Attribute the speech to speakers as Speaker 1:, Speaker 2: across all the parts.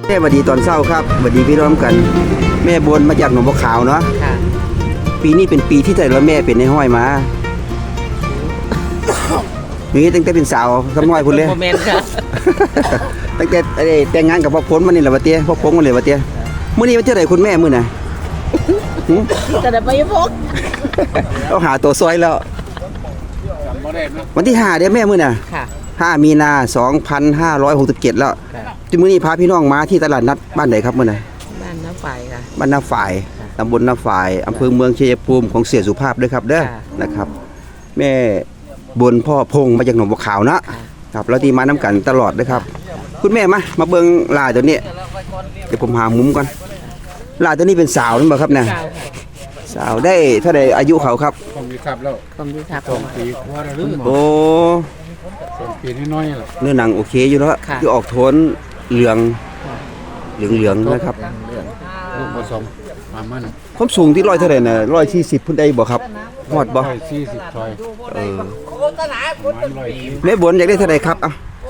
Speaker 1: แม่สวัสดีตอนเช้าครับสวัสดีพี่น้องกันแม่บนมาจากหนองบัวขาวเนาะปีนี้เป็นปีที่แต่ละแม่เป็นในห้อยมานี่ตั้งแต่เป็นสาวสมัยพุ่นเลย
Speaker 2: โมเมนต์ค่ะ
Speaker 1: ตั้งแต่แต่งงานกับพ่อพ้นมานี่แหละวะเตี้ยพ่อพงมาเลยวะเตี้ยมื้อนี้วันที่ไหนคุณแม่มื้อน่ะ
Speaker 2: แต่เดี๋ยวไปพก
Speaker 1: เราหาตัวซอยแล้ววันที่5เด้อแม่มื้อน่ะ5 มีนา 2567แล้วที่มื้อนี้พาพี่น้องมาที่ตลาดนัดบ้านไหนครับมื้อน่ะ
Speaker 2: บ้านน้าฝ่ายค่ะ
Speaker 1: บ้านนาฝ่ายตำบลนาฝ่ายอำเภอเมืองชัยภูมิของเสียสุภาพด้วยครับเด้อนะครับแม่บนพ่อพงมาจากหนองบัวขาวนะครับแล้วที่มาน้ำกันตลอดนะครับคุณแม่มาเบิ่งลาตัวนี้เดี๋ยวผมหามุมก่อนลาตัวนี้เป็นสาวหรือเปล่าครับเนี่ยสาวได้เท่าใดอายุเขาครับ
Speaker 3: คงมีครับแล้ว
Speaker 2: คงมีครับ
Speaker 3: 2 ปีกว่าแล้ว
Speaker 1: โอ้
Speaker 3: 2 ปีน้อยๆล่ะ
Speaker 1: เนื้อหนังโอเคอยู่แล้วที่ออกโทนเหลืองนะครับ
Speaker 3: ลูกผสมมามัน
Speaker 1: ความสูงที่100เท่าใดน่ะ140พุ่นได้บ่ครับฮอดบ่
Speaker 3: 140ซอย
Speaker 1: แม่บนอยากได้เท่าใดครับ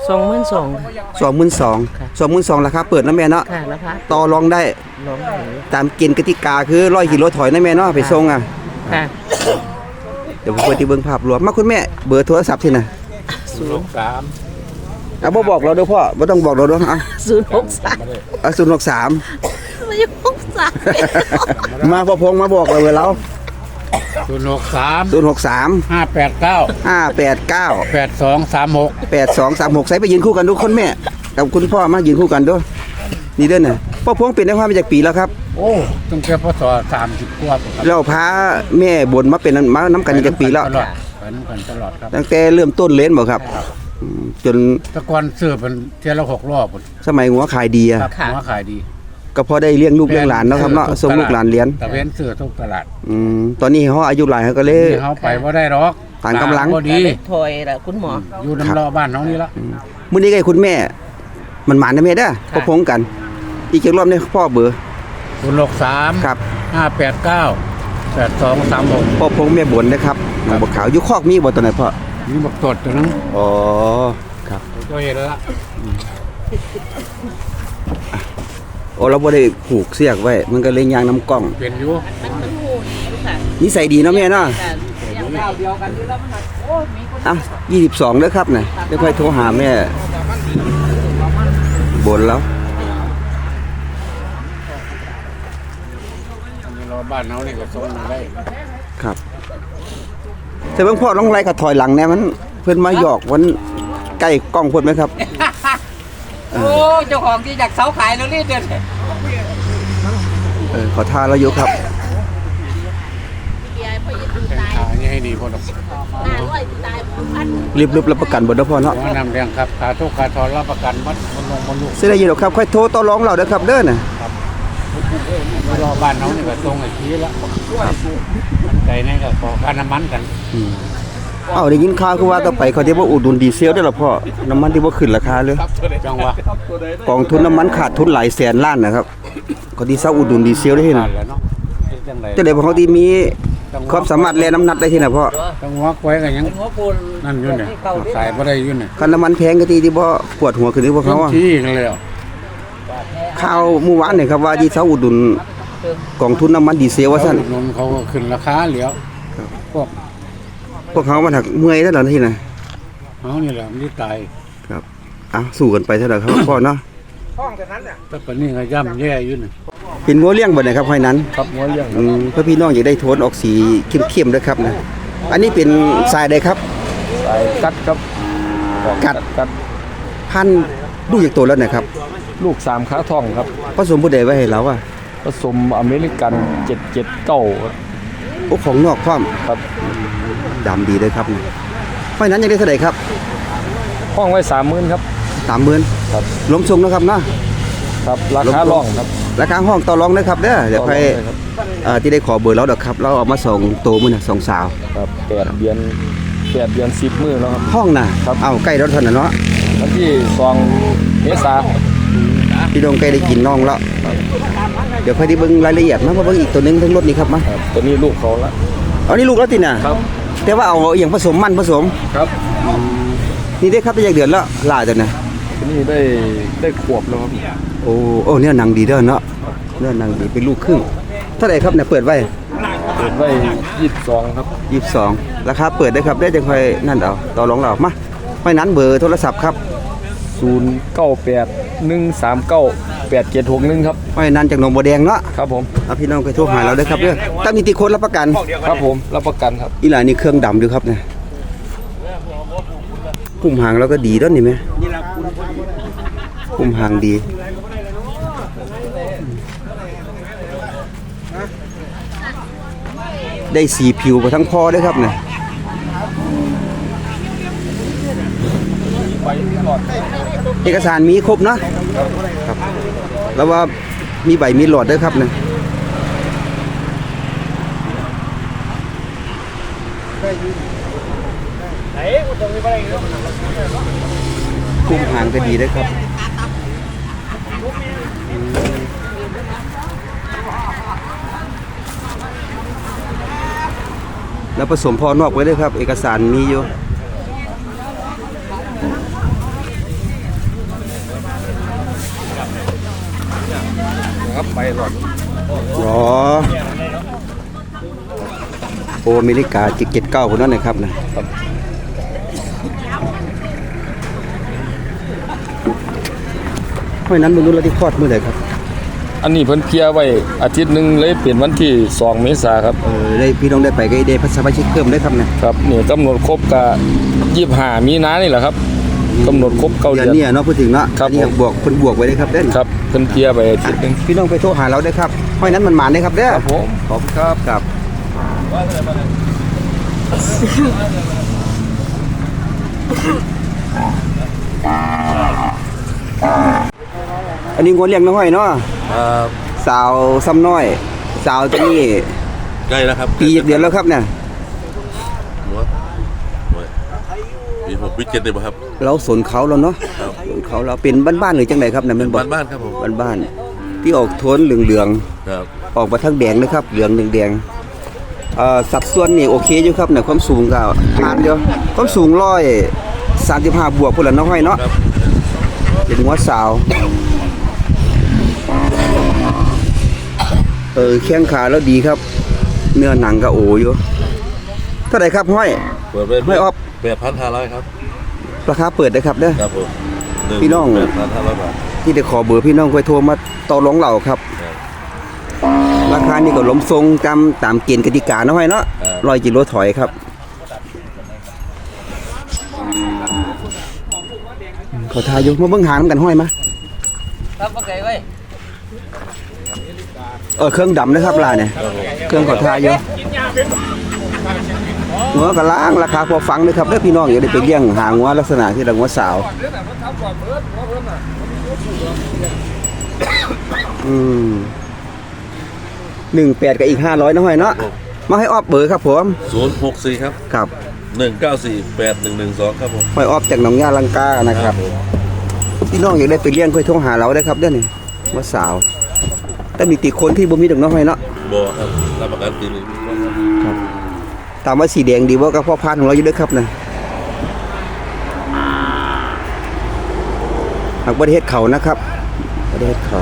Speaker 1: 22,000ราคาเปิดนะแม่เนาะต่อรองได้ตามเกณฑ์กติกาคือ100 กิโลถอยนะแม่เนาะไปส่งเดี๋ยวผมเปิดที่เบิ่งภาพรวมมาคุณแม่เบอร์โทรศัพท์ที่น่ะ
Speaker 3: 063
Speaker 1: บ่บอกเราเด้อพ่อบ่ต้องบอกเราเด้อ
Speaker 2: 063
Speaker 1: ไม่63มาพ่อพงมาบอกเราแล้ว
Speaker 3: 063 589 8236
Speaker 1: ใส่ไปยืนคู่กันทุกคนแม่กับคุณพ่อมายืนคู่กันด้วยนี่เด้อน่ะพ่อพงเป็นได้ความมาจากปีแล้วครับ
Speaker 3: โอ้ตั้งแต่พศ30กว่า
Speaker 1: เราพาแม่บนมาเป็นมาน้ำกันจากปีแล้ว
Speaker 3: ไปน้ำกันตลอดครับ
Speaker 1: ตั้งแต่เริ่มต้นเล่นบ่ครับจน
Speaker 3: ตะกอนซื้อเป็นเที่ยวละ6 รอบ
Speaker 1: สมัยหัวขายดีอ่ะ
Speaker 3: หัวขายดี
Speaker 1: ก็พอได้เลี้ยงลูกเลี้ยงหลานเนาะครับเนาะส่งลูกหลานเรียน
Speaker 3: ตะเว้นซื้อทุกตลาด
Speaker 1: ตอนนี้เขาอายุหลายเขาก็เลย
Speaker 3: เขาไปบ่ได้หรอก
Speaker 1: ต่างกำลัง
Speaker 3: บ่ดี
Speaker 2: ถอยล่ะคุณหมอ
Speaker 3: อยู่น้ำรอบ้านน้องนี่ละ
Speaker 1: มื้อนี้ไงคุณแม่มันหมานนะแม่เด้อพ่อพงกันอีกจักรอบนี้พ่อเบอร์
Speaker 3: 063
Speaker 1: ครับ
Speaker 3: 589 8236
Speaker 1: พ่อพงแม่บนนะครับหนองบัวขาวอยู่คอกมีบ่ตัวไหนพ่อ
Speaker 3: มีบักตดตัวนึง
Speaker 1: อ๋อครับ
Speaker 3: ก็เห็นแล้ว
Speaker 1: โอ้เราบ่ได้ผูกเสียกไว้มันก็เลยยางน้ำกล้อง
Speaker 3: เปลี่ยนอยู่
Speaker 1: นิสัยดีเนาะแม่เนาะ22เด้อครับน่ะเดี๋ยวค่อยโทรหาแม่บนแล้ว
Speaker 3: รอบ้านเฮานี่ก็ส่งได้
Speaker 1: ครับแต่เบิ่งพ่อน้องไรก็ถอยหลังแน่มันเพิ่นมาหยอกวันใกล้กล้องเพิ่นมั้ยครับ
Speaker 2: โอ้เจ้าของที่อยากเสาขายแล้วนี่เด้
Speaker 1: อขอทานเราอยู่ครับ
Speaker 3: ให้ดีพอดอก
Speaker 1: รีบรับประกันบ่ได้พ่อเนาะ
Speaker 3: นำเรียงครับค่าทุกค่าทอนรับประกันมัดมันลูก
Speaker 1: สิได้อยู่ดอกครับค่อยโทรต่อรองเราเด้อครับเด้อน่ะ
Speaker 3: รอบ้านน้องนี่ก็ตรงไอ้ทีละไก่นี่ก็ขอค่าน้ำมันกัน
Speaker 1: ได้ยินข่าวคือว่าต่อไปเขาสิบ่อุดหนุนดีเซลได้ล่ะพ่อน้ำมันที่บ่ขึ้นราคาเลย
Speaker 3: จังหวะ
Speaker 1: กองทุนน้ำมันขาดทุนหลายแสนล้านนะครับเขาที่เซาอุดหนุนดีเซลได้ที่น่ะจังได๋เขาที่มีความสามารถแล่น้ำหนักได้ที่น่ะพ่อ
Speaker 3: จังหวะไว้ก็ยังนั่นอยู่เนี่ยสายบ่ได้อยู่เนี่ย
Speaker 1: คันน้ำมันแพงก็ที่บ่ปวดหัวขึ้นที่พวกเขา
Speaker 3: ที่กันแล้ว
Speaker 1: ข่าวเมื่อวานนี่ครับว่าที่เซาอุดหนุนกองทุนน้ำมันดีเซลว่าซั่น
Speaker 3: เขาก็ขึ้นราคาแล้ว
Speaker 1: พวกเขามาถักเมื่อยแล้วเหรอที่น่ะ
Speaker 3: เฮานี่แหละมันสิตาย
Speaker 1: ครับสู้กันไปเท่าไหร่ครับพ่อเนาะ
Speaker 3: ห้องแต่นั้นน่ะแต่ปานนี้ก็ย่ำแย่อยู่นี่
Speaker 1: เป็นงัวเลี้ยงบ่ได้ครับห้อยนั้น
Speaker 3: ครับงัวเลี้ยง
Speaker 1: เพื่อพี่น้องอยากได้โทนออกสีเข้มๆด้วยครับนะอันนี้เป็นสายใดครับ
Speaker 3: สายกัดครับ
Speaker 1: กัดพันลูกจากตัวแล้วนะครับ
Speaker 3: ลูก3ขาทองครับ
Speaker 1: ผสมผู้ใดไว้ให้เรา
Speaker 3: ผสมอเมริกัน779
Speaker 1: โอ้ของนอกพร้อม
Speaker 3: ครับ
Speaker 1: ดำดีเลยครับห้อยนั้นอยากได้เท่าไหร่ครับ
Speaker 3: ห้องไว้ 30,000 ครับ
Speaker 1: 30,000ครับล้มทรงนะครับเนาะ
Speaker 3: ครับราคาร้องครับ
Speaker 1: ราคาห้องต่อรองนะครับเด้อเดี๋ยวค่อยที่ได้ขอเบอร์แล้วดอกครับเราเอามาส่งโตมื้อน่ะ2สาว
Speaker 3: ครับ8 เดือน10 มื้อแล้วครับ
Speaker 1: ห้องน่ะเอาใกล้แล้วท่านน่ะเนาะ
Speaker 3: วันที่2 เมษายน
Speaker 1: พี่น้องใกล้ได้กินน้องแล้วเดี๋ยวค่อยได้เบิ่งรายละเอียดมาเบิ่งอีกตัวนึงทั้งรถนี้ครับมา
Speaker 3: ตัวนี้ลูกเขาละ
Speaker 1: นี่ลูกแล้วติน่ะ
Speaker 3: ครับ
Speaker 1: แต่ว่าเอาอย่างผสมมันผสม
Speaker 3: ครับ
Speaker 1: นี่ได้ครับได้จากเดือนแล้วลาจังนะ
Speaker 4: นี่ได้ขวบแล้วครับ
Speaker 1: โอ้เนี่ยหนังดีเด้อเนาะเนี่ยหนังดีเป็นลูกครึ่งเท่าไหร่ครับเนี่ยเปิดไว้
Speaker 4: เปิดไว้22ครับ
Speaker 1: 22ราคาเปิดได้ครับได้จังค่อยนั่นเอาต่อรองเรามาห้อยนั้นเบอร์โทรศัพท์ครับ
Speaker 4: 0981398761ครับ
Speaker 1: ห้อยนั้นจากหนองบัวแดงเนาะ
Speaker 4: ครับผม
Speaker 1: เอาพี่น้องไปโทรหาเราได้ครับเด้อตั้งนิติคนรับประกัน
Speaker 4: ครับผมรับประกันครับ
Speaker 1: อีหลานนี่เครื่องดำดูครับเนี่ยพุ่มหางแล้วก็ดีด้วยนี่ไหมพุ่มหางดีได้สีผิวไปทั้งพอด้วยครับเนี่ยเอกสารมีครบเนาะครับแล้วว่ามีใบมีหลอดด้วยครับเนี่ยพุ่มหางก็ดีด้วยครับแล้วผสมพอนอกไว้ด้วยครับ เอกสารมีอยู่
Speaker 4: ครับไปหลอด
Speaker 1: อ๋อโออเมริกา779คนนั้นนะครับนะเพราะนั้นมึงรู้แล้วที่คลอดเมื่อไหร่ครับ
Speaker 4: อันนี้เพิ่นเคลียร์ไว้อาทิตย์หนึงเลยเปลี่ยนวันที่2เมษายนครับ
Speaker 1: ได้พี่น้องได้ไปก็ได้พัสมาชิกเพิ่มได้ครับนะครับ
Speaker 4: นี่กำหนดครบกับ25มีนานี่แหละครับกำหนดครบ9
Speaker 1: เดื
Speaker 4: เดื
Speaker 1: อ
Speaker 4: อน น
Speaker 1: นี้เนาะพูดถึงเนาะ
Speaker 4: ครับ
Speaker 1: อันนี้
Speaker 4: ผม
Speaker 1: บวกคนบวกไว้ได้ครับเด้อ
Speaker 4: ครับเพิ่นเคลียร์ไปอาทิตย์หนึง
Speaker 1: พี่น้องไปโทรหาเราได้ครับเพราะนั้นมันหมานได้ครับเด้อ
Speaker 4: ครับผม
Speaker 1: ขอบคุณครับครับอันนี้งวเลี้ยงน้อยเนาะ
Speaker 5: ครับ
Speaker 1: สาวซ้ำน้อย สาวตัวนี้
Speaker 5: ใกล้แล้วครับ
Speaker 1: ปีเดือนแล้วครับเนี่ย
Speaker 5: หัวปี6ปี7เลยป่ะครับ
Speaker 1: เราสนเขาแล้วเนาะ
Speaker 5: ครับ
Speaker 1: สนเขาเราเป็นบ้านๆหรือจังไดครับเนี่ยมันบอก
Speaker 5: บ้านๆครับผม
Speaker 1: บ้านๆที่ออกโทนเหลือง
Speaker 5: ครับ
Speaker 1: ๆออกมาทั้งแดงนะครับเหลืองแดงสัดส่วนนี่โอเคอยู่ครับเนี่ยความสูงก็ผ่านอยู่ความสูง135บวกพุ่นละน้อยเนาะ
Speaker 5: ครับ
Speaker 1: เป็นหัวสาวแข้งขาแล้วดีครับ เนื้อหนังก็โออยู่เท่าไหร่ครับห้อย
Speaker 5: เปิดไป
Speaker 1: ไม่ออฟ
Speaker 5: 8,500ครับ
Speaker 1: ราคาเปิดได้ครับเด้อ
Speaker 5: ครับผม
Speaker 1: พี่น้อง
Speaker 5: 8,500 บาท
Speaker 1: ที่ได้ขอเบอร์พี่น้องค่อยโทรมาต่อรองเราครับ
Speaker 5: ครับ
Speaker 1: ราคานี่ก็ล้มทรงตามเกณฑ์กติกาเนาะห้อยเนาะ
Speaker 5: ครับ
Speaker 1: 100 กิโลถอยครับขอทายอยู่มาเบิ่งหางนำกันห้อยมา
Speaker 2: ครับโอเคเว้ย
Speaker 1: เครื่องดำนะครับลาเนี่ยเครื่องขอทายอยู่หัวกระล้างราคาพอฟังเลยครับเด้อพี่น้องอย่าได้ไปเลี้ยงหางหัวลักษณะที่ดังหัวสาว18กับอีก500นะห้อยเนาะมาให้ออบเบอร์ครับผม
Speaker 5: 064ครับ
Speaker 1: ครับ
Speaker 5: 1948112ครับผม
Speaker 1: ห้อยออบจากหนองยาลังกานะครับ
Speaker 5: ผม
Speaker 1: พี่น้องอยากได้ไปเลี้ยงค่อยโทรหาเราได้ครับเด้อนี่หัวสาวแต่มีติคนที่บ่มีดอกน้อยเนาะ
Speaker 5: บ่ครับรับประกันปีนี้
Speaker 1: ตามว่าสีแดงดีว่าก็พ่อพันธุ์ของเราอยู่ด้วยครับนะหากประเทศเขานะครับประเทศเขา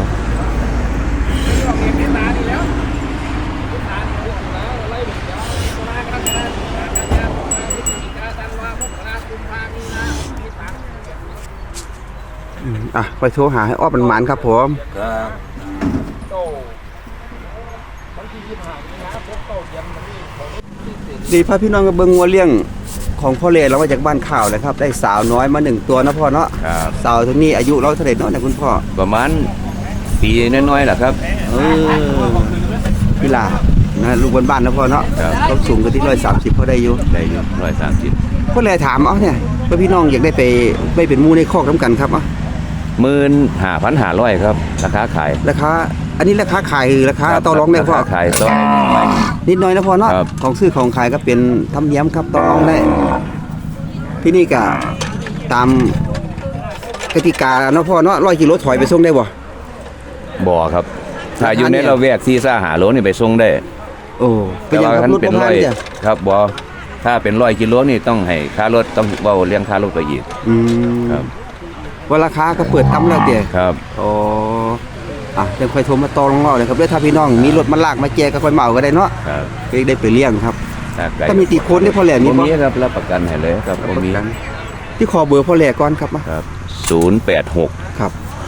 Speaker 1: ไปโทรหาให้อ้อมันหมานครับผม
Speaker 5: ครับ
Speaker 1: ดีพาพี่น้องกับเบิงงัวเลี้ยงของพ่อเล่เรามาจากบ้านข่าวเลยครับได้สาวน้อยมา1ตัวนะพ่อเนาะ
Speaker 6: ครับ
Speaker 1: สาวตัวนี้อายุเราเท่าไหร่เนาะเนี่ยคุณพ่อ
Speaker 6: ประมาณปีน้อยๆแหละครับ
Speaker 1: พี่ลานะลูกบ้านๆนะพ่อเนาะ
Speaker 6: ครับ
Speaker 1: เขาสูงกันที่130เขาได้อยู่
Speaker 6: ได้อยู่130
Speaker 1: พ่อเลยถามเอาเนี่ยว่าพี่น้องอยากได้ไปไม่เป็นหมูในคอกน้ำกันครับเอา
Speaker 6: 15,500ครับราคาขาย
Speaker 1: ราคาอันนี้ราคาขายหรือราคาต่อรองได้พ่อ
Speaker 6: ราคาขายต่อรอง
Speaker 1: นิดหน่อยนะพ่อเนาะ
Speaker 6: ครับ
Speaker 1: ของซื้อของขายก็เป็นทำเนียมครับต่อรองได้ ที่นี่ก็ตามกติกาเนาะพ่อเนาะ100 กิโลถอยไปส่งได้บ่
Speaker 6: บ่อครับ ถ้าอยู่ใน
Speaker 1: ราคาเนี่ย
Speaker 6: ละแวก4-5โลนี่ไปส่งได้
Speaker 1: โอ้เป็น
Speaker 6: แต่
Speaker 1: ยัง
Speaker 6: ว่า
Speaker 1: ครับ
Speaker 6: คัน
Speaker 1: รถ
Speaker 6: เป็
Speaker 1: ป
Speaker 6: น
Speaker 1: ระมา
Speaker 6: ร้
Speaker 1: ณ
Speaker 6: อย
Speaker 1: จ้ะ
Speaker 6: ครับบ่ถ้าเป็น100 กิโลนี่ต้องให้ค่ารถต้องเว้าเรื่องค่ารถไปอีก
Speaker 1: อืม
Speaker 6: ครับ
Speaker 1: ว่าราคาก็เปิดต่ำแล้วเด้
Speaker 6: ครับ
Speaker 1: อ๋อเดี๋ยวค่อยโทรมาต่อรองเลยครับเด้อถ้าพี่น้องมีรถมาลากมาแจกก็ค่อยมาเอาก็ได้เนาะ
Speaker 6: ครับ
Speaker 1: ก็ได้ไปเลี้ยงครับ
Speaker 6: ถ้าไก่
Speaker 1: ถ้ามีติโคนได้พ่อแหล่มี
Speaker 6: บ่
Speaker 1: บ่
Speaker 6: มีครับรับประกันให้เลยครับบ่มี
Speaker 1: ที่ขอเบอร์พ่อแหล่ก่อนครับมา
Speaker 6: ครับ086
Speaker 1: ครับ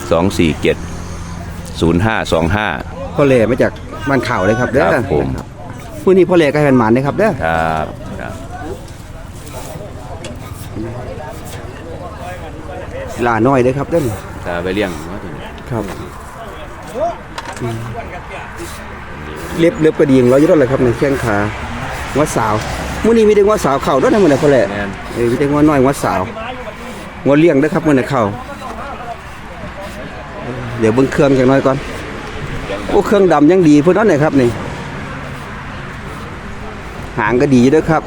Speaker 6: 247 0525
Speaker 1: พ่อแหล่มาจากบ้านข่าวเลยครับเด้อ
Speaker 6: ครับผม
Speaker 1: มื้อนี้พ่อแหล่ก็ให้มันหมานนะครับเด้อ
Speaker 6: ครับครับ
Speaker 1: ลาน้อยเด้อครับเด้อ
Speaker 6: ถ้าไปเลี้ยงเนาะตัวนี้
Speaker 1: ครับเล็บก็ดีอย่างเราอยู่แล้วแหละครับในแข้งขางัวสาวมื้อนี้มีแต่งัวสาวเข้าด้วยนะมื้อนี้พ่อแหล่
Speaker 6: แม่น
Speaker 1: มีแต่งัวน้อยงัวสาวงัวเลี้ยงเด้อครับมื้อนี้เข้าเดี๋ยวเบิ่งเครื่องจักหน่อยก่อนโอ้เครื่องดำยังดีพุ่นนั่นน่ะครับนี่หางก็ดีอยู่เด้อครับ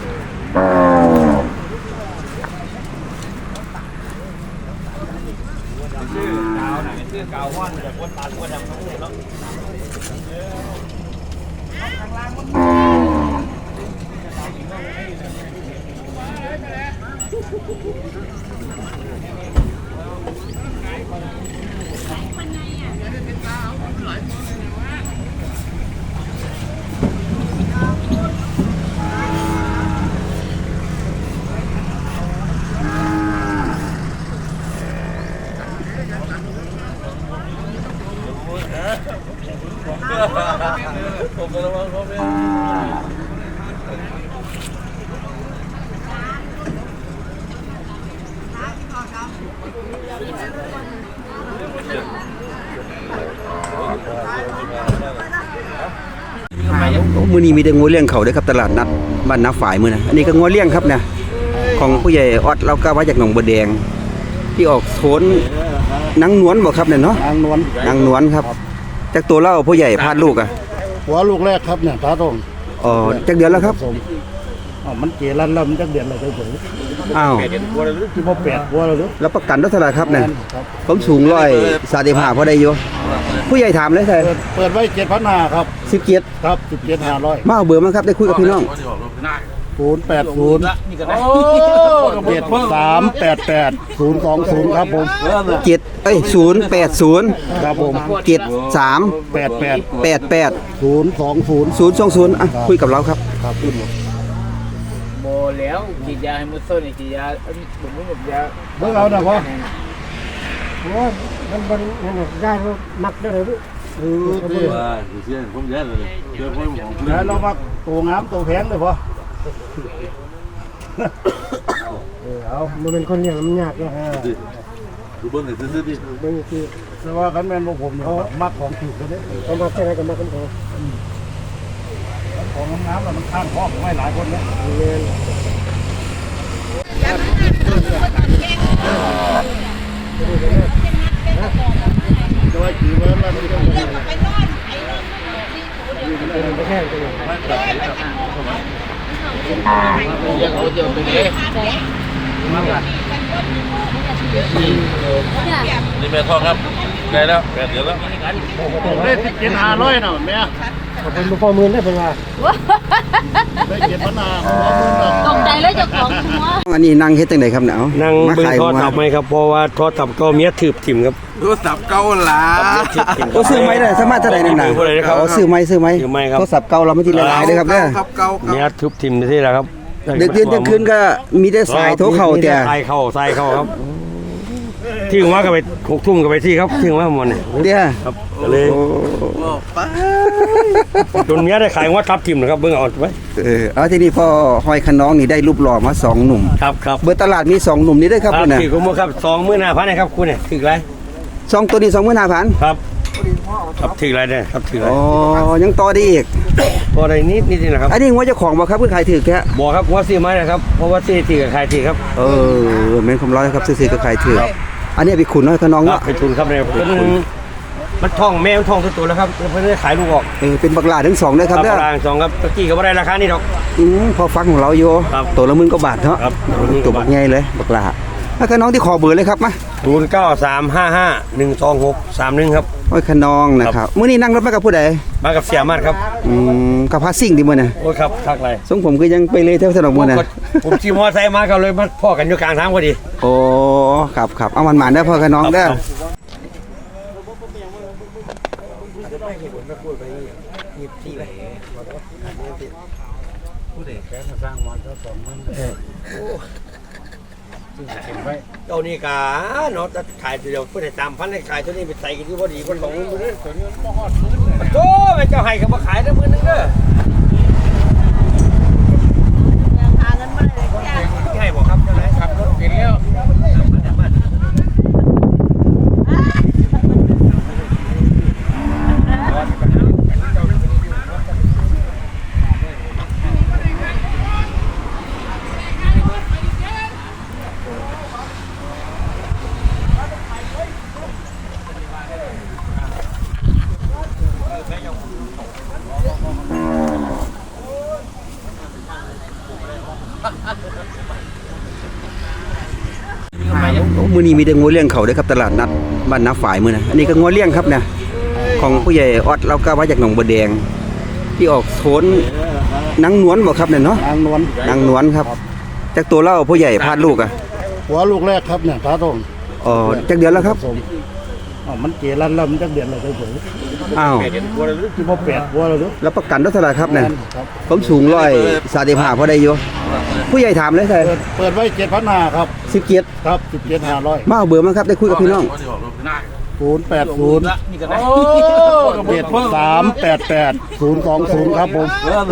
Speaker 1: โอ้มื้อนี้มีแต่งัวเลี้ยงเขาเด้อครับตลาดนัดบ้านนาฝายมื้อนะอันนี้ก็งัวเลี้ยงครับเนี่ยของผู้ใหญ่ออดเราก็มาจากหนองบัวแดง ที่ออกโทนนางนวลบ่ครับเนี่ยเนาะ
Speaker 3: นางนวล
Speaker 1: นางนวลครับจากตัวเล่าผู้ใหญ่พาดลูกอ่ะ
Speaker 3: หัวลูกแรกครับเนี่ยตาตรง
Speaker 1: อ๋อจากเดือนแล้วครับ
Speaker 3: มันเกลันแล้วมันจักเดือนอะไรเฉย
Speaker 1: อ้าว
Speaker 3: ที่พ่อแปดหัวแล้วหรือ
Speaker 1: แล้วประกันเท่าไหร่ครับเนี่ย
Speaker 3: ครับ
Speaker 1: ผมสูง135พอได้อยู่ผู้ใหญ่ถามเลยใช่
Speaker 3: เปิดไว้7,500ครับ
Speaker 1: 17
Speaker 3: ครับ17,500
Speaker 1: มาเอาเบอร์มาครับได้คุยกับพี่น้อง
Speaker 3: 080 7388 020ครับผม
Speaker 1: 080
Speaker 3: ครับผม
Speaker 1: 73
Speaker 3: 88
Speaker 1: 88
Speaker 3: 020
Speaker 1: 020อ่ะคุยกับเราครับ
Speaker 3: ครับ
Speaker 2: โบแล้วฉีดยาให้มุดโซ่นี่ฉีดยาผมไม่หมดยา
Speaker 3: เบิ่งเอานะพ่อ
Speaker 7: ได้ก็มักได้เลยพี่
Speaker 5: ว่าเสียผมแย่เลยเจอผมของคุณ
Speaker 3: แล้วเรามาตัวงามตัวแพงเลยพ่อ
Speaker 7: เอามันเป็นคนเลี้ยงมันยากเลย
Speaker 5: ดูเบิ้งหน่อยซื้อดิ
Speaker 7: บางที
Speaker 3: แต่ว่าคันแม่นพวกผมเขามักของถูกกันเด้
Speaker 7: เขามาแค่ไหนก็มากันเขา
Speaker 3: ของงามๆแล้วมันข้างพ่อผมให้หลายคนเนี่ย
Speaker 7: เงิน
Speaker 3: โดยถือว่ามันไม่ต้อง
Speaker 7: เป็นไปแค่ไหน
Speaker 2: ยังเอาเดี๋ยวไปเลย
Speaker 5: นี่แม่ทองครับไกลแล้ว8 เดือนแล้ว
Speaker 3: ได้17,500นะแม่
Speaker 7: เป็นพ่อมือได้เป็นว่า
Speaker 3: ได้7,500หัวมึงน่ะ
Speaker 8: ตกใจแล้วเจ้าของหัว
Speaker 1: อันนี้นั่งเฮ็ดจังไดครับเนี่ยเอา
Speaker 7: นั่ง
Speaker 1: มา
Speaker 7: เบิ่ง
Speaker 1: ขาย
Speaker 7: โทร
Speaker 1: หัว
Speaker 7: ศัพท์ไหมครับเพราะว่าโทรศัพท์ก็เมียถืบถิ่มครับ
Speaker 5: โทรศัพท์เก่าล่ะ
Speaker 1: โอ้ซื้อไม้ได้สามารถเท่าไหร่นั่นน่ะ
Speaker 7: ซื้อไม้ได้ครับ
Speaker 1: อ๋อซื้อไม้
Speaker 7: ซื้อไม้ครับ
Speaker 1: โทรศัพท์เก่าเราไม่ทีละลายเด้อครับเด้อ
Speaker 5: ครับเก่า
Speaker 7: เมียถืบถิ่มที่แล้วครับ
Speaker 1: เด็กเดือนเที่ยงคืนก็มีแต่สายโทรเข้าแต่
Speaker 7: สายเข้าครับที่หัวก็ไป6 ทุ่มก็ไปที่ครับที่หัวมันเนี่ย
Speaker 1: เด้อ
Speaker 7: ครับก็เลย
Speaker 1: โอ้
Speaker 5: ป้า
Speaker 7: จนเมียได้ขายหัวทับถิ่มนะครับเบิ่งเอาไว้
Speaker 1: เอาทีนี้พอหอยขน้องนี่ได้รูปหล่อมา2หนุ่ม
Speaker 7: ครับครับ
Speaker 1: เบอร์ตลาดมี2หนุ่มนี่เด้อครับ
Speaker 7: ครับ
Speaker 1: คุณน่ะ
Speaker 7: ถือกุมครับ25,000นะครับคุณเนี่ยถือไร
Speaker 1: 2ตัวนี้25,000
Speaker 7: ครับครับถือไรเนี่ยครับถือไร
Speaker 1: อ๋อยังต่อได้อีก
Speaker 7: พอได้นิดนะครับ
Speaker 1: อันนี้หัวเจ้าของบ่ครับเพิ่นขายถือแค่
Speaker 7: บอกครับว่าซื้อไม้นะครับเพราะว่าซื้อที่กับขายที่ครับ
Speaker 1: แม่นคำร้อยครับซื้อๆก็ขายถืออันนี้ไปขุนน้อยขน้อง
Speaker 7: ครั
Speaker 1: เนาะ
Speaker 7: บไปทุนครับเนี่ยมันท่องแม่มันท่องตัวแล้วครับเพื่อนได้ขายลูกออก
Speaker 1: เป็นบักหลาทั้ง2เด้อครับเด้อ
Speaker 7: รางสองครับตะกี้ก็ไม่ได้ราคานี่ดอก
Speaker 1: พอฟังของเราอยู่
Speaker 7: ครับ
Speaker 1: ตัวละ10,000กว่าบาทเนาะ
Speaker 7: ครับ
Speaker 1: ตัวบักใหญ่เลยบักหลาห้อยขน้องที่ขอเบอร์เลยครับมา
Speaker 7: 0935512631ครับ
Speaker 1: ห้อยขน้องนะครับมื้อนี้นั่งรถมากับผู้ใด
Speaker 7: มากับเสียมาดครับ
Speaker 1: กับพาซิ่งดิมื้อน่ะ
Speaker 7: โอ้ยครับทักไร
Speaker 1: ทรงผมก็ยังไปเลยเท่าสนองมื้อน่ะ
Speaker 7: ผมขี่มอไซค์มาก็เลยมาพ่อกันอยู่กลางทางพอดี
Speaker 1: โอ้ครับเอามันหมานได้อพ่อขน้องเด้อ
Speaker 7: เจ้านี่กาเนาะจะขายเดียวเพื่อให้3,000ให้ขายตัวนี้ไปใส่กันที่พอดีคนบอกมึงเด้อตัวนี้บ่ฮอดมื้อนึงโธ่แม่เจ้าให้ก็บ่ขายได้มื้อนึงเด้อให้บ่ครับเจ้าไหนขับรถเปลี่ยนแล้ว
Speaker 1: มื้อนี้มีแต่งัวเลี้ยงเขาเด้อครับตลาดนัดบ้านนาฝ่ายมื้อน่ะอันนี้ก็งัวเลี้ยงครับเนี่ยของผู้ใหญ่ออดเราก็มาจากหนองบัวแดงที่ออกโทนนางนวลบ่ครับเนี่ยเนาะ
Speaker 8: นางนวล
Speaker 1: นางนวลครับจากตัวเล่าผู้ใหญ่พาดลูกอ่ะ
Speaker 8: หัวลูกแรกครับเนี่ยตาตรง
Speaker 1: อ๋อจากเดือนแล้วครับ
Speaker 8: สมมันเกลันแล้วมันจักเดือนอะไรเฉย
Speaker 1: อ้าว
Speaker 8: ๆที่บ่แปดหัวแล้วหรือ
Speaker 1: แล้วประกันเท่าไหร่ครับเนี่ย
Speaker 8: ครับ
Speaker 1: ผมสูง135พอได้อยู่ผู้ใหญ่ถามเลยใช่
Speaker 8: เปิดไว้7,500ครับ
Speaker 1: 17
Speaker 8: ครับ17,500
Speaker 1: มาเอาเบอร์มาครับได้คุยกับพี่น้อง
Speaker 8: 080 7388 020ครับผม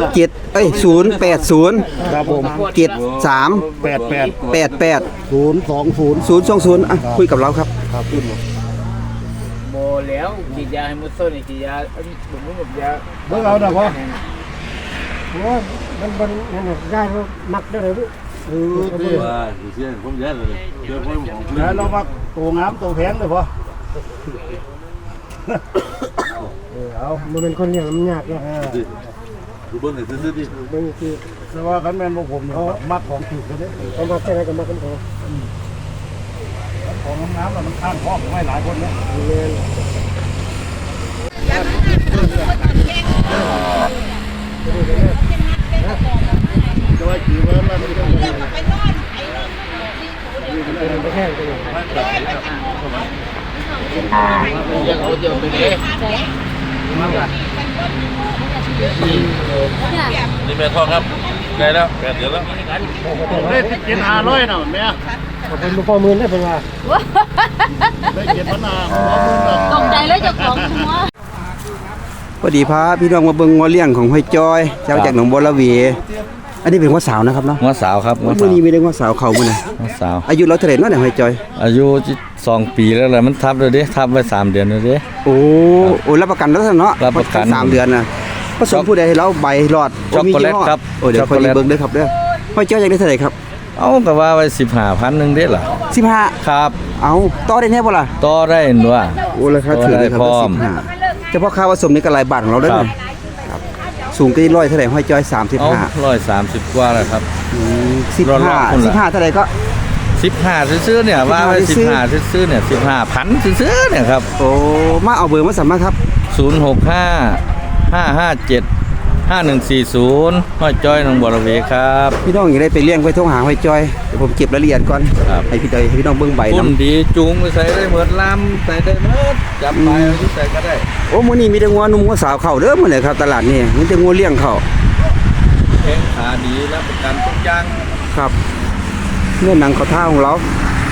Speaker 1: 080
Speaker 8: ครับผม
Speaker 1: 73
Speaker 8: 88
Speaker 1: 88
Speaker 8: 020
Speaker 1: 020อ่ะคุยกับเราครับ
Speaker 8: ครับ
Speaker 2: โมแล้วกินยาให้มุดส้นกินยาผมยา
Speaker 8: เบิ่งเอานะพ่อ
Speaker 5: ว่าเสียผมแย่เลยเจอผมของเพื่อ
Speaker 8: แล้ว
Speaker 5: น
Speaker 8: เรามาตัวงามตัวแพงเลยพ่อเอา
Speaker 9: มันเป็นคนเลี้ยงมันยากเนาะ
Speaker 5: ดูเบิ้งหน่อยซื้อดิ
Speaker 9: บางที
Speaker 8: แต่ว่าคันแม่นพวกผมเนี่ยเขามักของถูกกันเด้
Speaker 9: เขามาแค่ไหนก็มากันพอ
Speaker 8: ของน้ำๆมันข้างห้องไม่หลายคนเนี่ย
Speaker 9: เงิน
Speaker 8: จะไว้กี่วันแล้วมันก็ไม่ได้
Speaker 9: ไปแค่กันเลย
Speaker 2: ยังเขาจะเป็นเลย
Speaker 5: นี่แม่ทองครับไกลแล้ว8 เดือนแล้ว
Speaker 8: ได้17,500น่ะแม่
Speaker 9: เป็นลูกพ่อมือได้เป็นว่า
Speaker 8: ได้7,500หัวมึงน่ะ
Speaker 10: ตกใจเลยเจ้าของหัว
Speaker 1: พอดีพาพี่น้องมาเบิ่งงัวเลี้ยงของห้อยจอยเจ้าจากหนองบัวระเวอันนี้เป็นงัวสาวนะครับเนาะ
Speaker 4: หัวสาวครับหัว
Speaker 1: มื้
Speaker 4: สา
Speaker 1: อ
Speaker 4: ว
Speaker 1: นี้มีแต่งัวสาวเขามื้อน่ะ
Speaker 4: หัวสาว
Speaker 1: อายุเราเท่าไหร่เนาะเนี่ยห้อยจอย
Speaker 4: อายุ2 ปีแล้วแหละมันทับเลยเด้ทับไว้3 เดือนแล้วเด้
Speaker 1: โอ้รับประกันแล้วเนาะ
Speaker 4: รับประกัน
Speaker 1: 3 เดือนน่ะผสมผู้ใดให้เราใบหลอด
Speaker 4: ช็อกโกแลตครับ
Speaker 1: โอ้เดี๋ยวค่อย
Speaker 4: ช็อกโกแลต
Speaker 1: เบิ่งเด้อครับเด้อห้อยจอยอยากได้เท่าไหร่ครับ
Speaker 4: เอาก็ว่าไว้15,000นึงเด้ล่ะ
Speaker 1: 15
Speaker 4: ครับ
Speaker 1: เอาต่อได้แน่บ่ล่ะ
Speaker 4: ต่อได้หนัว
Speaker 1: โอ้ราคาถือเลยครับ
Speaker 4: พร้อม
Speaker 1: 15เฉพาะค่าผสมนี่ก็หลายบาทของเราได้อ
Speaker 4: ครับ
Speaker 1: ครับสูงก็ร้อยเท่าไหร่ห้อยจอย
Speaker 4: เอา
Speaker 1: 35
Speaker 4: 130กว่าแล้วครับ
Speaker 1: 15
Speaker 4: รอๆคนละ
Speaker 1: 15เท่าไหร่ก็
Speaker 4: 15ซื้อๆเนี่ยว่าไว้15ซื้อๆเนี่ย15,000ซื้อๆเนี่ยครับ
Speaker 1: โอ้มาเอาเบอร์มาสั่งมาครับ
Speaker 4: 065 557 5140ห้อยจ้อยหนองบัวระเวครับ
Speaker 1: พี่น้องอยากได้ไปเลี้ยงไปโทรหาห้อยจอยเดี๋ยวผมเก็บรายละเอียดก่อน
Speaker 4: ครับ
Speaker 1: ให้พี่น้องเบิ่งใบ
Speaker 4: พุ่
Speaker 1: นํ
Speaker 4: นดีจูงไปใส่ได้เหมือนลำใส่ได้หมดจับไปเอาที่ใส่ก็ได้
Speaker 1: โอ้มื้อนี้มีแต่งัวหนุ่มงัวสาวเข้าเด้อมื้อนี้ครับตลาดนี่มีแต่งัวเลี้ยงเข้า
Speaker 4: แข้งขาดีรับประกันทุกอย่าง
Speaker 1: ครับเนื้อหนังเขาท่าของเรา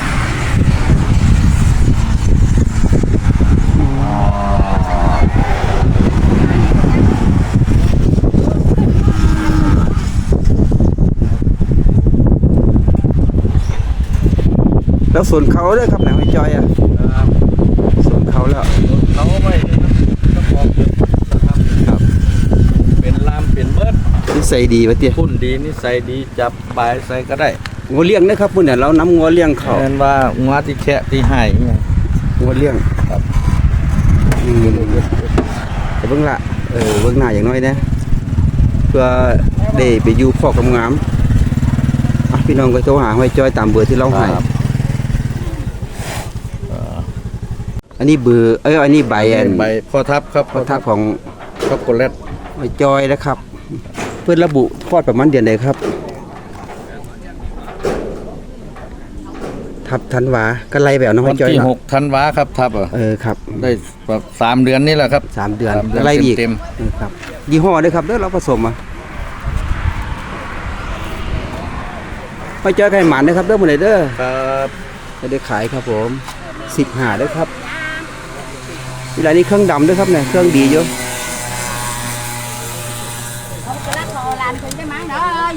Speaker 1: แล้วส่วนเขาเด้อครับไหนห้อยจอยอ่ะส่วนเขาแล้ว
Speaker 4: เขาไม่ต้องบอกเยอะนะครับครับเป็นลำเป็นเบิด
Speaker 1: นิสัยดีวะเตี้ย
Speaker 4: พุ่นดีนิสัยดีจับไปใส่ก็ได้
Speaker 1: งัวเลี้ยงนะครับมื้อนี้เรานำงัวเลี้ยงเข้า
Speaker 4: เห็นว่างัวที่แคะที่ให้เนี่ย
Speaker 1: งัวเลี้ยง
Speaker 4: ครับ
Speaker 1: แต่เบิ่งละเบิ่งหน้าอย่างน้อยนะเพื่อได้ไปอยู่พ่อกำงามอ่ะพี่น้องก็โทรหาห้อยจอยตามเบอร์ที่เราให้
Speaker 4: ครับ
Speaker 1: อันนี้เบอร์อันนี้ใบอัน
Speaker 4: ใบพอทับครับ
Speaker 1: พอทักของ
Speaker 4: ช็อกโกแลต
Speaker 1: ไอ้จอยนะครับ เพื่อนระบุคลอดประมาณเดือนใดครับทับธันวาก็ไล่แบบน้อง
Speaker 4: วัน
Speaker 1: จอย
Speaker 4: ที่
Speaker 1: เนาะ
Speaker 4: 6 ธันวาครับทับอ่ะ
Speaker 1: ครับ
Speaker 4: ได้แบบ3 เดือนนี่แหละครับ
Speaker 1: 3 เดือน
Speaker 4: 3 เดือน
Speaker 1: ก็ไล่อีก
Speaker 4: เต็ม
Speaker 1: ครับยี่ห้อด้วยครับเด้อเราผสมมาไปเจอกันหมันนะครับเด้อมื้อนี้เด้อ
Speaker 4: ครับ
Speaker 1: จะได้ขายครับผม15ด้วยครับเวลานี้เครื่องดำด้วยครับเนี่ยเครื่องดีอยู่
Speaker 10: làm thử cái má đó ơi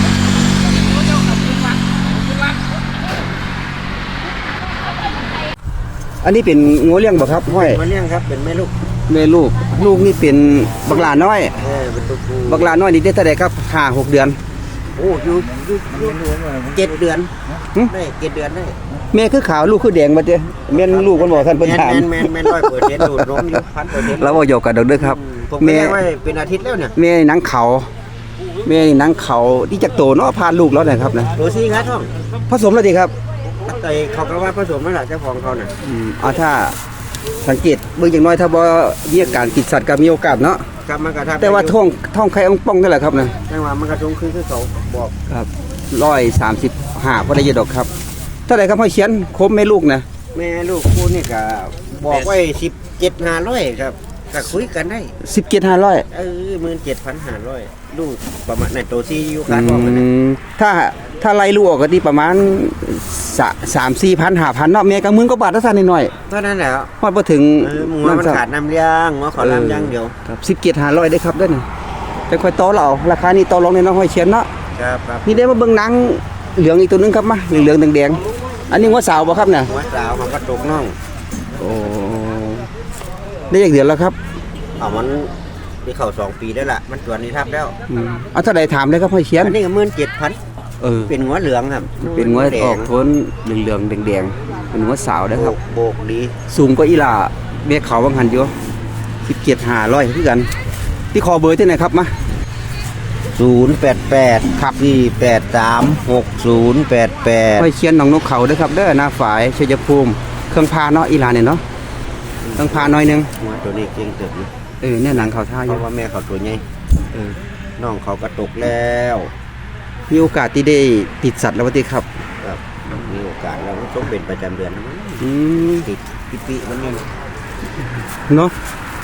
Speaker 1: อันนี้เป็นงัวเลี้ยงบ่ครับห้อย
Speaker 7: มาเลี้ยงครับเป็นแม่ลูก
Speaker 1: แม่ลูกลูกนี่เป็นบักหลาน้อย
Speaker 7: เป็นตัวผู้
Speaker 1: บักหลาน้อยนี่ได้เท่าใดครับ5-6 เดือน
Speaker 7: โอ้อยู่7 เดือนได้7 เดือนได้
Speaker 1: แม่คือขาวลูกคือแดงบ่เด้แม่นลูกมันบ่ท่านเพิ่นถาม
Speaker 7: แม่น100%ดูดนมอยู่1,000%
Speaker 1: เราบ่หยอกกันดอกเด้อครับ
Speaker 7: ผม
Speaker 1: แม่
Speaker 7: แม่ไว้เป็นอาทิตย์แล้วเนี่ย
Speaker 1: แม่หนังเขาแม่หนังเขาที่จักโตเนาะพาลูกแล้วนะครับนะ
Speaker 7: โรซี่ครับท่อง
Speaker 1: ผสมแล้วดีครับ
Speaker 7: แต่เขาก็ว่าผสมนั่นแหละเจ้าของเขาน่ะ
Speaker 1: เอาถ้าสังเกตเบิ่งอย่างน้อยถ้าบ่มีอาการติดสัตว์ก็มีโอกาสเนาะ
Speaker 7: ครับมันก็ทำ
Speaker 1: แต่ว่าท้องไข่อ่องป่องนั่นแหละครับนะ
Speaker 7: จังหวะมันกระทงคือเขาบอก
Speaker 1: ครับ135พอได้อยู่ดอกครับเท่าไหร่ครับห้อยเชียนครบแม่ลูกนะ
Speaker 7: แม่ลูกคู่นี่ก็บอกไว้17,500ครับก็คุยกันได้
Speaker 1: 17,500
Speaker 7: 17,500ลูกประมาณในตัวซีอยู่คาดว่ามัน
Speaker 1: ถ้าไล่ลูกออกก็ที่ประมาณ3-4,000 5,000เนาะแม่ก็10,000กว่าบาทถ้าซั่นหน่อย
Speaker 7: เท่านั้นแหละ
Speaker 1: ฮอดบ่ถึง
Speaker 7: หมูมันขาดน้ำเลี้ยงหมูขอน้ำย่างเดียว
Speaker 1: ครับ17,500ได้ครับเด้อนี่แต่ค่อยต่อเราราคานี้ต่อรองในน้องห้อยเชียนเนาะ
Speaker 7: ครับครับ
Speaker 1: นี่ได้มาเบิ่งหนังเหลืองอีกตัวหนึงครับมาเหลืองๆแดงๆอันนี้หัวสาวบ่ครับเนี่ย
Speaker 7: หัวสาวมันก็ตกน่อง
Speaker 1: โอ้ได้อีกเดือนแล้วครับ
Speaker 7: เอามันที่เข้า2 ปีได้ละมันตัวนี้ทับแล้ว
Speaker 1: เอาเท่าใดถามเลยครับห้อยเชียน
Speaker 7: อันนี้ก็17,000เป็นหัวเหลืองครับ
Speaker 1: เป็นหัวออกโทนเหลืองๆแดงๆเป็นหัวสาวนะครับ
Speaker 7: โบกดี
Speaker 1: สูงกว่าอีหล่าแม่เขาบางหันอยู่17,500คือกันที่คอเบอร์ที่ไหนครับมา
Speaker 7: 088ครับ4836088
Speaker 1: ห้อยเชียนหนองนกเขาเด้อครับเด้อหน้าฝายชัยภูมิเครื่องพาเนาะอีหล่าเนี่ยเนาะเครื่องพาน้อยนึง
Speaker 7: หัวตัวนี้เก่งเติบอยู่
Speaker 1: เนี่ยหนังเขาท่าอ
Speaker 7: เพ
Speaker 1: ยู่
Speaker 7: ราะว่าแม่เขาตัวใหญ่น้องเขาก็ตกแล้ว
Speaker 1: มีโอกาสที่ได้ติดสัตว์แล้วว่าติครับ
Speaker 7: ครับมีโอกาสเราต้องเป็นประจำเดือนนะมั้ง
Speaker 1: อืม
Speaker 7: ติดปีมันยัง
Speaker 1: เนาะ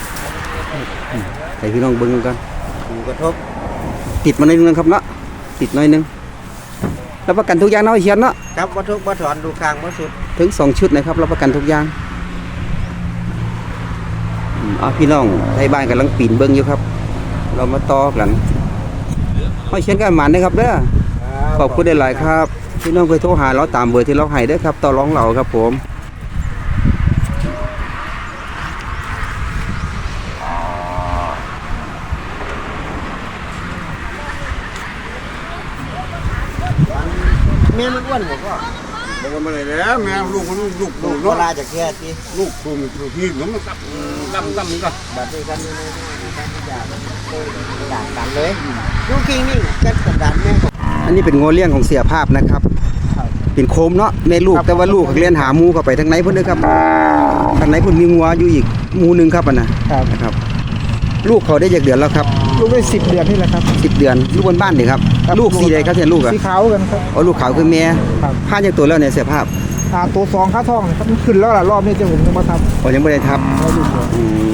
Speaker 1: ให้พี่น้องเบิ่งกัน
Speaker 7: มีกระทบ
Speaker 1: ติดมาหน่อยนึงครับเนาะติดหน่อยนึงรับประกันทุกอย่างเนาะไอ้เชียนเนาะ
Speaker 7: ครับวัตถุวัตถอนดูคางวัตถุ
Speaker 1: ถึง2 ชุดนะครับรับประกันทุกอย่างพี่น้องไทยบ้านกำลังปีนเบิ่งอยู่ครับ เรามาต่อกันห้อยเชียนกันหมันนะครับเด้อขอบคุณหลายๆครับพี่น้องเคยโทรหาเราตามเบอร์ที่เราให้เด้อครับต่อรองเราครับผม
Speaker 7: แม่มันอ้วนผมก็
Speaker 8: บอกว่ามาเลยแล้วแม่ลูกลูก
Speaker 7: ลูก
Speaker 8: ลูก
Speaker 7: เวลาจากแค่ที่
Speaker 8: ลูกคุมนี่หนุ่มมันตับตั้มก็
Speaker 7: แบบนี้กันนี่กันอย่างด่านกันเลยลูกคิงนี่กันกับด่านแม่
Speaker 1: อันนี้เป็นโงเลี้ยงของเสียภาพนะครับเป็นโคมเนาะแม่ลูกแต่ว่าลูกเลี้ยนหาหมูเข้าไปทางไหนเพิ่นเด้อครับทางไหนเพิ่นมีงัวอยู่อีกหมูหนึงครับนะครับ ลูกเขาได้จากเดือนแล้วครับ
Speaker 9: ลูกได้10 เดือนนี่แหละครับ
Speaker 1: 10 เดือนลูกบนบ้านนี่ครับลูกสีใดครับเสียลูกอ่ะ
Speaker 9: สีขาวกันครับ
Speaker 1: อ๋อลูกขาวคือแม่
Speaker 9: ครับ
Speaker 1: ผ่านจากตัวแล้วเนี่ยเสียภาพ
Speaker 9: ตัว2ค่าท้องครับมันขึ้นแล้วล่ะรอบนี้จะผมจะมาท
Speaker 1: อ๋อยังไม่ได้ทับ
Speaker 9: ำให้ดูก่อน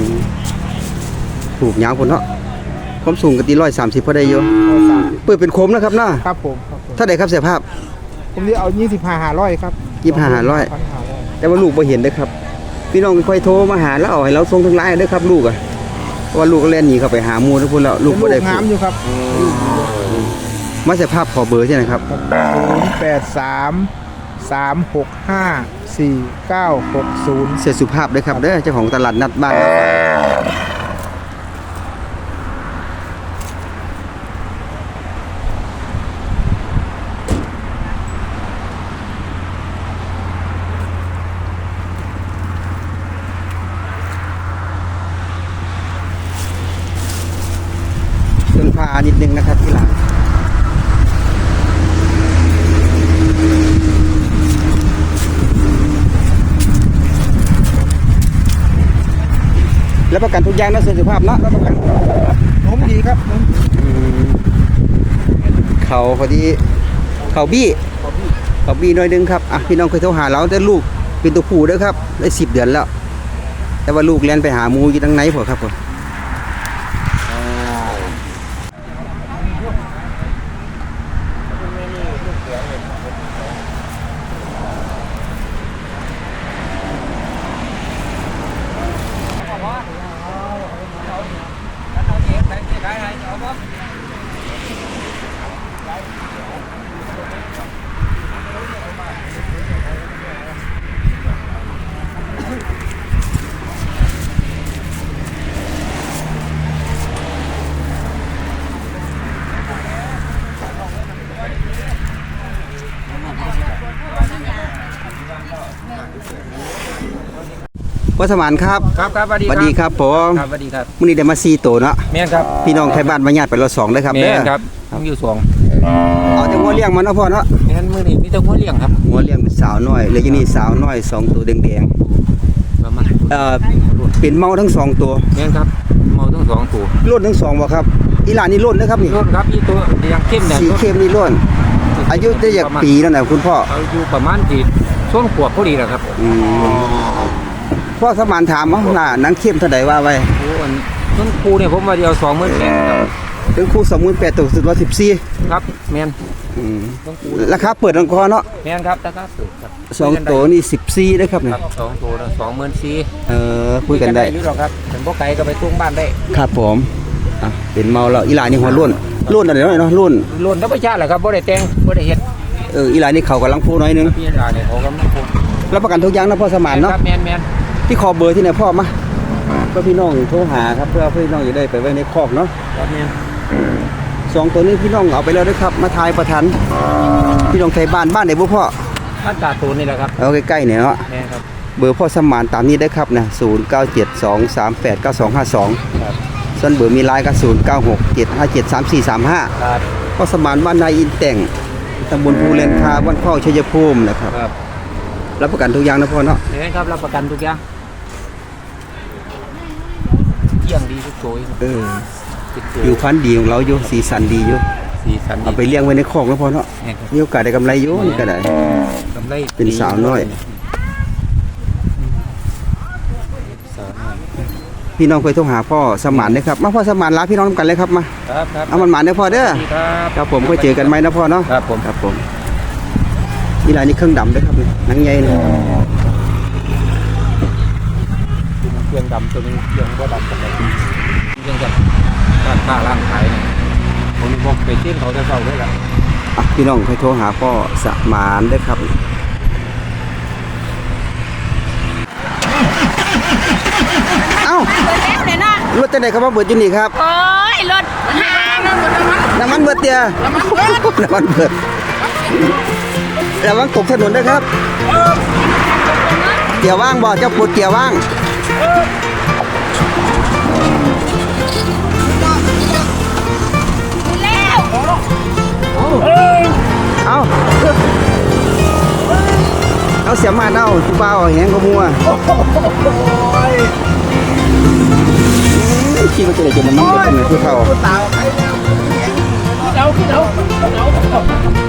Speaker 1: ถูกยาวพุ่นเนาะความสูงก็ตี130พอได้อยู่เปิดเป็นโคมนะครับเนาะ
Speaker 9: ครับผมครับผม
Speaker 1: เท่าใดครับเสียภาพ
Speaker 9: ผมจะเอา25,500ครับ
Speaker 1: 25,500 แต่ว่าลูกบ่เห็นเด้อครับพี่น้องค่อยโทรมาหาแล้วเอาให้เราส่งทางไลน์เด้อครับลูกอ่ะเพราะว่าลูกก็เล่นหนีเข้าไปหาหมู่ทุกคนแล้วลูกบ่ได้
Speaker 9: งามอยู่ครับ
Speaker 1: มาเสียภาพขอเบอร์ใช่ไหมครับ
Speaker 9: 083-365-4960
Speaker 1: เสียสุภาพด้วยครับเด้อเจ้าของตลาดนัดบ้านเครื่องพานิดนึงนะครับที่หลังแล้วประกันทุกอย่างนะเสียสุภาพเนาะแล้วประกัน
Speaker 9: นมดีครับนม
Speaker 1: เขาพอดีเขาบี้หน่อยนึงครับอ่ะพี่น้องเคยโทรหาเราแต่ลูกเป็นตัวผู้เด้อครับได้10 เดือนแล้ว แต่ว่าลูกเรียนไปหาหมูอยู่ทางไหนพอครับผมพ่อสมานครับ
Speaker 2: ครับครับสวัสดี
Speaker 1: สวัสดีครับผม
Speaker 2: ครับสวัสดีครับ
Speaker 1: มื้อนี้ได้มา4ตัวเนาะ
Speaker 2: แม่นครับ
Speaker 1: พี่น้องไทยบ้านมาญาติไปรถ2เลยครับ
Speaker 2: แม่
Speaker 1: เด้อน
Speaker 2: ครับต้องอยู่สอง
Speaker 1: เอาแต่งัวเลี้ยงมันเนาะพ่อเนาะ
Speaker 2: แม่นมื้อนี้มีแต่หัวเลี้ยงครับ
Speaker 1: งัวเลี้ยงเป็นสาวน้อยแล้วอยู่นี่สาวน้อย2ตัวแดง
Speaker 2: ประมาณ
Speaker 1: ๆเป็นเมาทั้ง2ตัว
Speaker 2: แม่นครับเมาทั้งสองตัว
Speaker 1: ล้นทั้ง2บ่ครับอีหลานนี่ล้นนะครับนี่
Speaker 2: รุ่นครับอีตัวเลี้ยงเข้มเนี่ย
Speaker 1: สีเข้มนี่ล้นอายุได้จากปีแล้วนะคุณพ่อ
Speaker 2: อายุประมาณที่ช่วงขวบพอดีแหละครับ
Speaker 1: พ่อสมานถามว่าหน้าหนังเข้มเท่าใดว่าไว้
Speaker 2: โอ้อันต้นครูเนี่ยผมว่าเดียว28,000ครับ
Speaker 1: ถึงคู่28,000ตัวสุด114
Speaker 2: ครับแม่นต้นครู
Speaker 1: ราคาเปิดรังคอเนาะ
Speaker 2: แม่นครับราคาสูงครับ
Speaker 1: 2ตัวนี่14เด้อครับ
Speaker 2: ค
Speaker 1: นี่
Speaker 2: รับสองตัวละ24,000
Speaker 1: คุยกันได้
Speaker 2: อยู่หรอกครับถึงบ่ไกลก็ไปตุ้งบ้านได้
Speaker 1: ครับผมอ่ะเป็นเมาแล้วอีหลานนี่หัวล้นอะไรเนาะล้น
Speaker 2: ล้นธรรมชาติแหละครับบ่ได้แต่งบ่ได้เฮ็ด
Speaker 1: อีหลานนี่เขากำลังพูน้อยนึง
Speaker 2: พี่ยาเนี่ยเขาก็มาพูด
Speaker 1: รับประกันทุกอย่างนะพ่อสมานเนาะ
Speaker 2: ครับแม่น
Speaker 1: ที่ขอเบอร์ที่ไหนพ่อมาเพื่อพี่น้องโทรหาครับเพื่อพี่น้องจะได้ไปไว้ในคอกเนาะ
Speaker 2: ครับแม่น
Speaker 1: 2ตัวนี้พี่น้องเอาไปแล้วนะครับมาทายประทันพี่น้องไทยบ้านไหนบ่พ่อ
Speaker 2: บ้านตาตูนนี่แหละครับ
Speaker 1: เอาใกล้ๆเนี่ยเนาะ
Speaker 2: แม่นครับ
Speaker 1: เบอร์พ่อสมานตามนี้ได้ครับนะ0972389252
Speaker 2: ครับ
Speaker 1: ส่วนเบอร์มีไลน์ก็0967573435
Speaker 2: ครับ
Speaker 1: พ่อสมานบ้านนายอินแต่งตำบลภูเรนคาบ้านเข้าชัยภูมินะครับ
Speaker 2: ครับ
Speaker 1: รับประกันทุกอย่างนะพ่อเนาะ
Speaker 2: แม่นครับรับประกันทุกอย่างเที่ยงดีทุกตัว ติดตัว
Speaker 1: ผิวพรรณดีของเราอยู่สีสันดีอยู่
Speaker 2: สีสันดี
Speaker 1: เอาไปเลี้ยงไว้ในคอกแล้วพ่อเนาะ
Speaker 2: แม่นครับ
Speaker 1: มีโอกาสได้กำไรอยู่นี่ก็ได้
Speaker 2: กำไร
Speaker 1: เป็นสาวน้อย
Speaker 2: สาวน้อย
Speaker 1: พี่น้องเคยโทรหาพ่อสมานนะครับมาพ่อสมานลาพี่น้องนำกันเลยครับมา
Speaker 2: ครับครับ
Speaker 1: เอามันหมานได้อพ่อเด้อ
Speaker 2: ดีครับ
Speaker 1: ครับผมก็เจอกันไหมนะพ่อเนาะ
Speaker 2: ครับผม
Speaker 1: ครับผมนี่ลายนี่เครื่องดำด้วยครับนี่หนังใหญ่นี่
Speaker 2: เครื่องดำตัวนึงเครื่องบ่ดำกันเลยเครื่องกับร้านค้าร้านขายเนี่ยผมบอกไปเต้นเขาจะเข้าด้วยแหละ
Speaker 1: อ่ะพี่น้องเคยโทรหาพ่อสมานได้อครับเอ้า
Speaker 10: เปิดแล้วเดี๋ยวนะ
Speaker 1: รถจะไหนครับว่าเบิดอยู่นี่ครับ
Speaker 10: โอ้ยรถหาน้ำ
Speaker 1: น้ำมันเบิดเตียน้ำมันเบิดระวังตกถนนด้วยครับเกียร์ว่างบ่เจ้าปวดเกียร์ว่างเอาเสียมาเอาผู้บ่าวแหงเขามัวคิดว่าจะได้จนน้ำมันเบิดเป็นไงผู้เฒ่า
Speaker 2: เดา